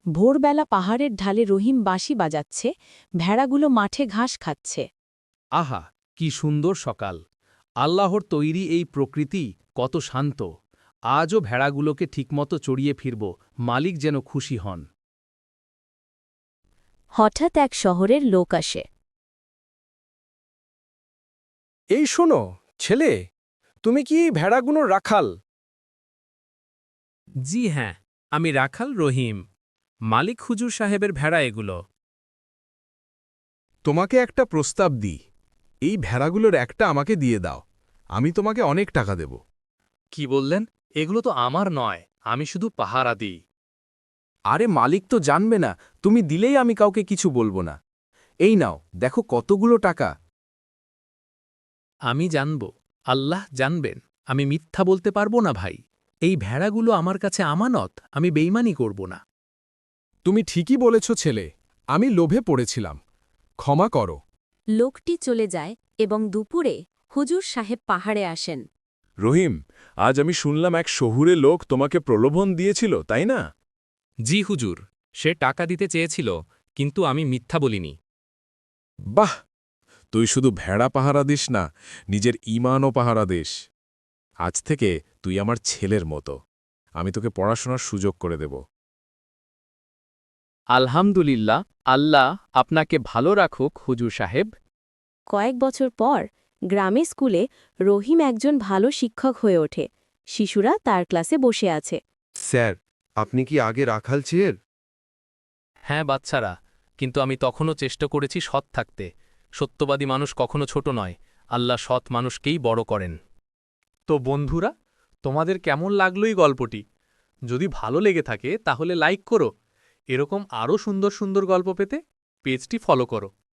ভোরবেলা পাহাড়ের ঢালে রহিম বাঁশি বাজাচ্ছে, ভেড়াগুলো মাঠে ঘাস খাচ্ছে। আহা, কি সুন্দর সকাল! আল্লাহর তৈরি এই প্রকৃতি কত শান্ত। আজও ভেড়াগুলোকে ঠিকমতো চড়িয়ে ফিরব, মালিক যেন খুশি হন। হঠাৎ এক শহরের লোক আসে। এই শোনো, ছেলে, তুমি কি ভেড়াগুলোর রাখাল? জি হ্যাঁ, আমি রাখাল রহিম। মালিক হুজুর সাহেবের ভেড়া এগুলো। তোমাকে একটা প্রস্তাব দিই, এই ভেড়াগুলোর একটা আমাকে দিয়ে দাও, আমি তোমাকে অনেক টাকা দেব। কি বললেন? এগুলো তো আমার নয়, আমি শুধু পাহারা দিই। আরে মালিক তো জানবে না, তুমি দিলেই আমি কাউকে কিছু বলবো না। এই নাও, দেখো কতগুলো টাকা। আমি জানব, আল্লাহ জানবেন, আমি মিথ্যা বলতে পারবো না ভাই। এই ভেড়াগুলো আমার কাছে আমানত, আমি বেইমানি করব না। তুমি ঠিকই বলেছ ছেলে, আমি লোভে পড়েছিলাম, ক্ষমা করো। লোকটি চলে যায় এবং দুপুরে হুজুর সাহেব পাহাড়ে আসেন। রহিম, আজ আমি শুনলাম এক শহুরে লোক তোমাকে প্রলোভন দিয়েছিল, তাই না? জি হুজুর, সে টাকা দিতে চেয়েছিল, কিন্তু আমি মিথ্যা বলিনি। বাহ, তুই শুধু ভেড়া পাহারা দিস না, নিজের ঈমানও পাহারা দিস। আজ থেকে তুই আমার ছেলের মতো, আমি তোকে পড়াশোনার সুযোগ করে দেব। আলহামদুলিল্লাহ, আল্লাহ আপনাকে ভালো রাখুক হুজুর সাহেব। কয়েক বছর পর গ্রামে স্কুলে রহিম একজন ভালো শিক্ষক হয়ে ওঠে। শিশুরা তার ক্লাসে বসে আছে। স্যার, আপনি কি আগে রাখাল ছিলেন? হ্যাঁ বাচ্চারা, কিন্তু আমি তখনও চেষ্টা করেছি সৎ থাকতে। সত্যবাদী মানুষ কখনো ছোট নয়, আল্লাহ সৎ মানুষকেই বড় করেন। তো বন্ধুরা, তোমাদের কেমন লাগলো এই গল্পটি? যদি ভালো লেগে থাকে তাহলে লাইক করো। এরকম আরও সুন্দর সুন্দর গল্প পেতে পেজটি ফলো করো।